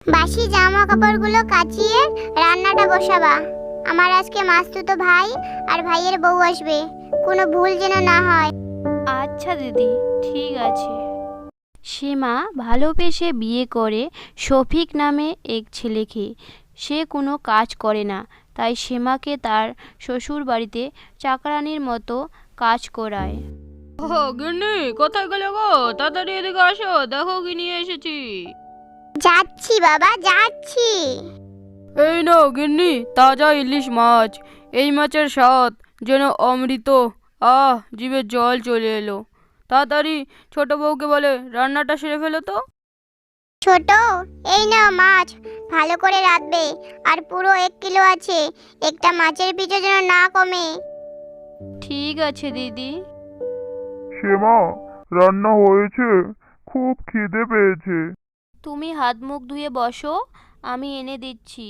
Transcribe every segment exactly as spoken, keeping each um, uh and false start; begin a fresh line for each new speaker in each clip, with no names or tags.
বাসি জামা কাপড়গুলো কাচিয়ে রান্নাটা বসাবা। আমার আজকে মাসতুতো ভাই আর ভাইয়ের বউ আসবে, কোনো ভুল যেন না হয়।
আচ্ছা দিদি, ঠিক আছে। সীমা ভালোবেসে বিয়ে করে শফিক নামে এক ছেলেকে। সে কোনো কাজ করে না, তাই সীমাকে তার শ্বশুর বাড়িতে চাকরানির মতো কাজ করায়। ও গিন্নি, কোথায় গেলে গো? তাড়াতাড়ি এদিকে আসো, দেখো কি নিয়ে এসেছি।
যাচ্ছি বাবা, যাচ্ছি।
এই নাও গিন্নি, তাজা ইলিশ মাছ। এই মাছের স্বাদ যেন অমৃত। আহ, জিভে জল চলে এলো। তাড়াতাড়ি ছোট বউকে বলে রান্নাটা সেরে ফেলো তো।
ছোট, এই নাও মাছ, ভালো করে রাঁধবে। আর পুরো এক কিলো আছে, একটা মাছের পিছু যেন না কমে।
ঠিক আছে দিদি।
সীমা, রান্না হয়েছে? খুব খিদে পেয়েছে।
তুমি হাত মুখ ধুয়ে বসো, আমি এনে দিচ্ছি।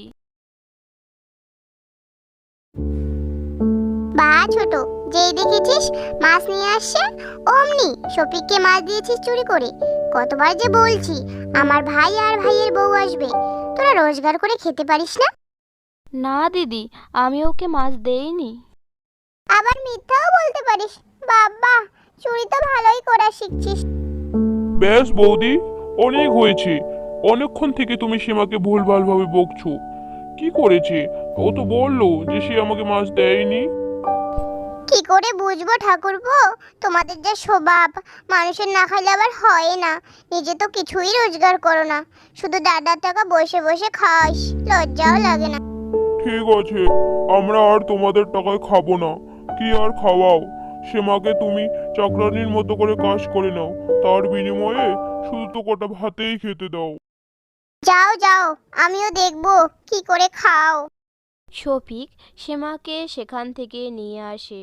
বা ছোট, যেই দেখেছিস মাছ নিয়ে আসছে অমনি শফিককে মাছ দিয়েছিস চুরি করে। কতবার যে বলছি আমার ভাই আর ভাইয়ের বউ আসবে, তোরা রোজগার করে খেতে পারিস না?
না দিদি, আমি ওকে মাছ দেইনি।
আবার মিথ্যাও বলতে পারিস। বাবা, চুরি তো ভালোই করা শিখছিস।
ব্যাস বৌদি, অনেক হয়েছে। অনেকক্ষণ থেকে তুমি সীমাকে ভুলভালভাবে বকছো। কি করেছে? ও তো বললো যে সে আমাকে মাছ দেয়নি।
কি করে বুঝবো ঠাকুরপো, তোমাদের যে স্বভাব, মানুষের না খাইলে আবার হয় না। নিজে তো কিছুই রোজগার করো না, শুধু দাদার টাকা বসে বসে খাস, লজ্জাও লাগে না।
ঠিক আছে, আমরা আর তোমাদের টাকায় খাবো না। কি আর খাওয়াও? সীমাকে তুমি চাকরানির মতো করে কাজ করে নাও, তার বিনিময়ে শুধু তো কটা ভাতেই খেতে দাও।
যাও যাও, আমিও দেখবো কি করে খাও।
শফিক সীমাকে সেখান থেকে নিয়ে আসে।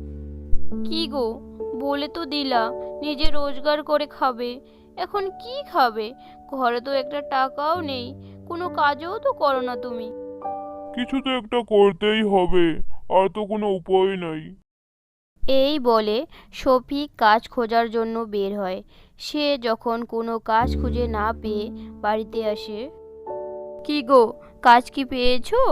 কি গো, বলে তো দিলা নিজে রোজগার করে খাবে, এখন কি খাবে? ঘরে তো একটা টাকাও নেই, কোনো কাজও তো করো না তুমি।
কিছু তো একটা করতেই হবে, আর তো কোনো উপায় নাই।
এই বলে শফিক কাজ খোঁজার জন্য বের হয়। সে যখন কোনো কাজ খুঁজে না পেয়ে বাড়িতে আসে। কি গো, কাজ কি পেয়েছো?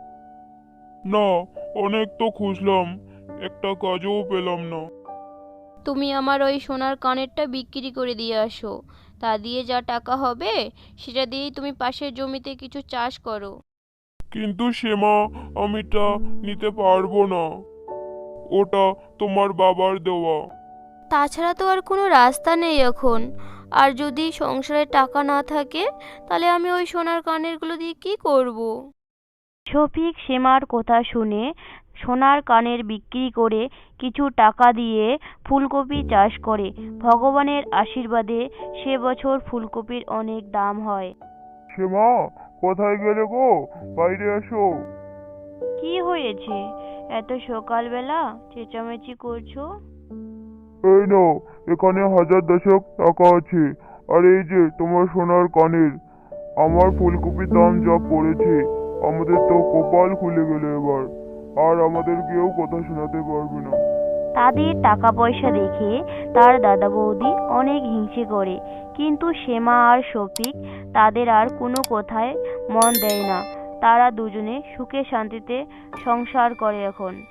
না, অনেক তো খুঁজলাম, একটা কাজও পেলাম না।
তুমি আমার ওই সোনার কানেরটা বিক্রি করে দিয়ে আসো। তা দিয়ে যা টাকা হবে সেটা দিয়েই তুমি পাশের জমিতে কিছু চাষ করো।
কিন্তু সীমা, আমি তা নিতে পারবো না। ওটা তোমার বাবার দেওয়া।
তাছাড়া তো আর কোনো রাস্তা নেই এখন। আর যদি সংসারে টাকা না থাকে, তাহলে আমি ওই সোনার কানেরগুলো দিয়ে কি করব? শফিক সীমার কথা শুনে সোনার কানের বিক্রি করে কিছু টাকা দিয়ে ফুলকপি চাষ করে। ভগবানের আশীর্বাদে সে বছর ফুলকপির অনেক দাম হয়।
সীমা, কোথায় গেলে গো? বাইরে এসো।
কি হয়েছে, এত সকালবেলা চেঁচামেচি করছো?
এই নাও, এখানে হাজার দশেক টাকা আছে। আর এই যে তোমার সোনার কানের। আমার ফুলকপির দাম যা পড়েছে, আমাদের তো কপাল খুলে গেল এবার। আর আমাদের কেউ কথা শোনাতে পারবে না।
তাদের টাকা পয়সা দেখে তার দাদা বৌদি অনেক হিংসে করে, কিন্তু শ্যামা আর শফিক তাদের আর কোনো কথায় মন দেয় না। তারা দুজনে সুখে শান্তিতে সংসার করে এখন।